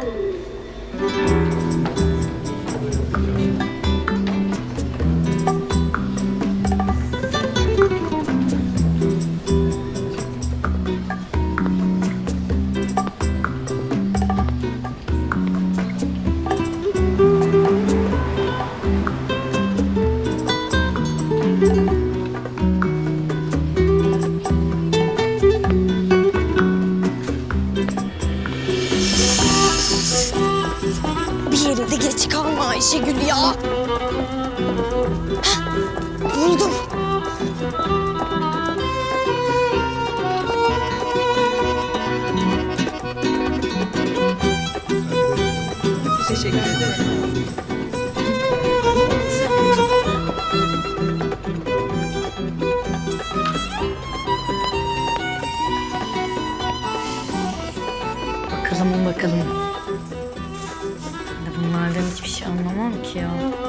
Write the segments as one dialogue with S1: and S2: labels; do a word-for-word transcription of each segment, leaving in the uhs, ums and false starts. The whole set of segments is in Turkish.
S1: Bir yerinde geç kalma Ayşegül ya. Heh, buldum.
S2: Teşekkür ederim.
S1: Bakalım bakalım. Ben de bunlardan hiçbir şey anlamam ki ya.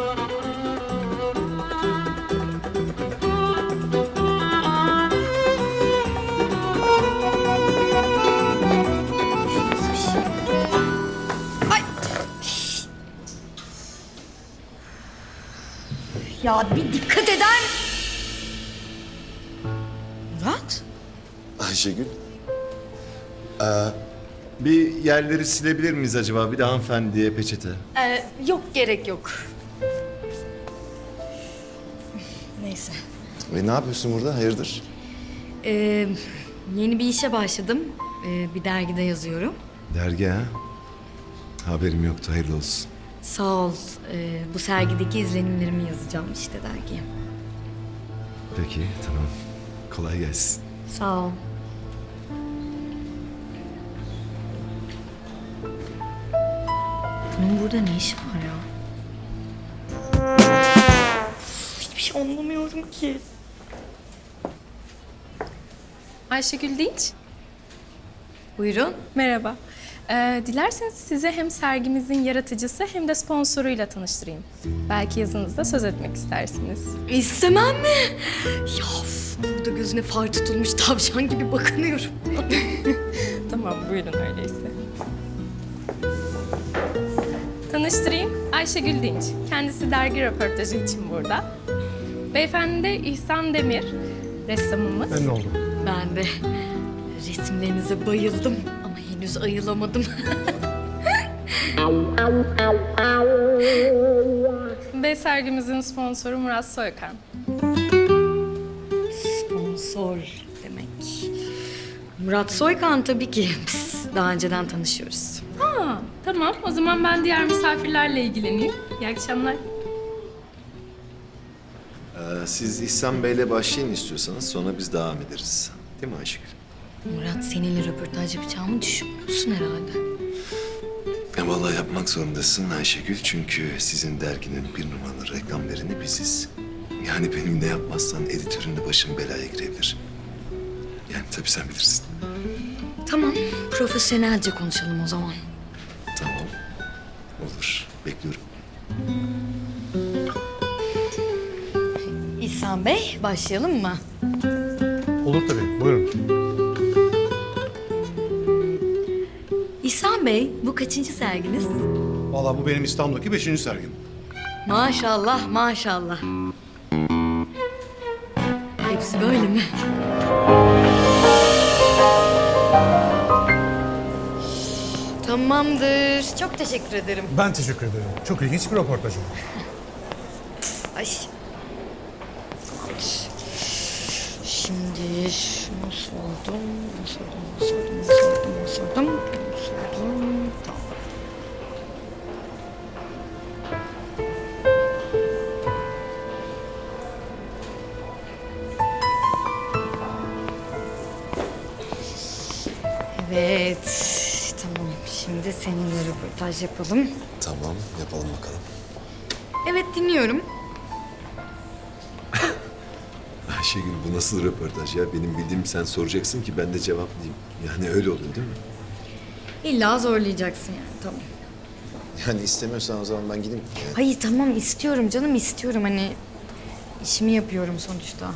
S1: Nasıl bir şey? Ay! Ya bir dikkat eder. Murat?
S3: Ayşegül. Ee, bir yerleri silebilir miyiz acaba? Bir de hanımefendiye peçete.
S1: Ee, yok gerek yok. Neyse.
S3: Ve ne yapıyorsun burada? Hayırdır?
S1: Ee, yeni bir işe başladım. Ee, bir dergide yazıyorum.
S3: Dergi ha? Haberim yoktu. Hayırlı olsun.
S1: Sağ ol. Ee, bu sergideki izlenimlerimi yazacağım işte dergiye.
S3: Peki, tamam. Kolay gelsin.
S1: Sağ ol. Bunun burada ne işi var ya? Hiçbir şey anlamıyorum ki.
S4: Ayşegül Dinç.
S1: Buyurun.
S4: Merhaba. Ee, dilerseniz size hem sergimizin yaratıcısı hem de sponsoruyla tanıştırayım. Belki yazınızda söz etmek istersiniz.
S1: İstemem mi? Ya of, burada gözüne far tutulmuş tavşan gibi bakınıyorum.
S4: Tamam, buyurun öyleyse. Tanıştırayım. Ayşegül Dinç. Kendisi dergi röportajı için burada. Beyefendi de İhsan Demir, ressamımız.
S5: Memnun oldum.
S1: Ben de resimlerinize bayıldım ama henüz ayılamadım.
S4: Ve sergimizin sponsoru Murat Soykan.
S1: Sponsor demek. Murat Soykan tabii ki. Biz daha önceden tanışıyoruz.
S4: Ha, tamam. O zaman ben diğer misafirlerle ilgileneyim. İyi akşamlar.
S3: Ee, siz İhsan Bey'le başlayın istiyorsanız. Sonra biz devam ederiz. Değil mi Ayşegül?
S1: Murat seninle röportaj yapacağımı düşünmüyorsun herhalde.
S3: Ya vallahi yapmak zorundasın Ayşegül. Çünkü sizin derginin bir numaralı reklam vereni biziz. Yani benim ne yapmazsan editörünle başım belaya girebilir. Yani tabii sen bilirsin.
S1: Tamam, profesyonelce konuşalım o zaman.
S3: Tamam. Olur. Bekliyorum.
S1: İhsan Bey, başlayalım mı?
S5: Olur tabii, buyurun.
S1: İhsan Bey, bu kaçıncı serginiz?
S5: Vallahi bu benim İstanbul'daki beşinci sergim.
S1: Maşallah, maşallah. Hepsi böyle mi? Tamamdır. Çok teşekkür ederim.
S5: Ben teşekkür ederim. Çok ilginç bir röportaj oldu.
S1: Ay. Tamamdır. Şimdi şunu sordum, bunu sordum, bunu sordum, bunu sordum, bunu sordum, bunu sordum. Tamam. Evet, tamam. Şimdi seninle röportaj yapalım.
S3: Tamam. Yapalım bakalım.
S1: Evet, dinliyorum.
S3: Ayşegül bu nasıl röportaj ya? Benim bildiğim sen soracaksın ki ben de cevaplayayım. Yani öyle oluyor değil mi?
S1: İlla zorlayacaksın yani, tamam.
S3: Yani istemiyorsan o zaman ben gideyim. Yani
S1: Hayır, tamam istiyorum canım, istiyorum. Hani işimi yapıyorum sonuçta.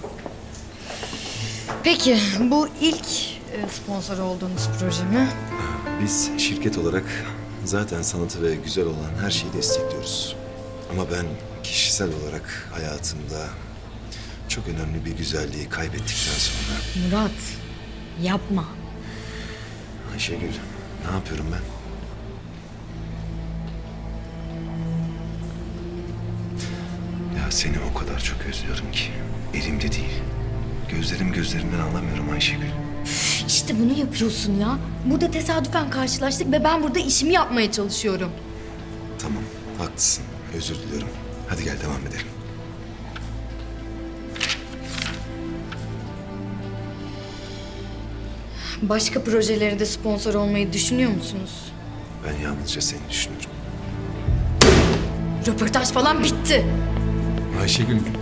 S1: Peki, bu ilk e, sponsor olduğunuz proje mi?
S3: biz şirket olarak Zaten sanatı ve güzel olan her şeyi destekliyoruz. Ama ben kişisel olarak hayatımda çok önemli bir güzelliği kaybettikten sonra...
S1: Murat, yapma.
S3: Ayşegül, ne yapıyorum ben? Ya seni o kadar çok özlüyorum ki. Elimde değil. Gözlerim gözlerimden alamıyorum Ayşegül.
S1: İşte bunu yapıyorsun ya. Burada tesadüfen karşılaştık ve ben burada işimi yapmaya çalışıyorum.
S3: Tamam, haklısın. Özür diliyorum. Hadi gel devam edelim.
S1: Başka projelere de sponsor olmayı düşünüyor musunuz?
S3: Ben yalnızca seni düşünüyorum.
S1: Röportaj falan bitti.
S3: Ayşegül,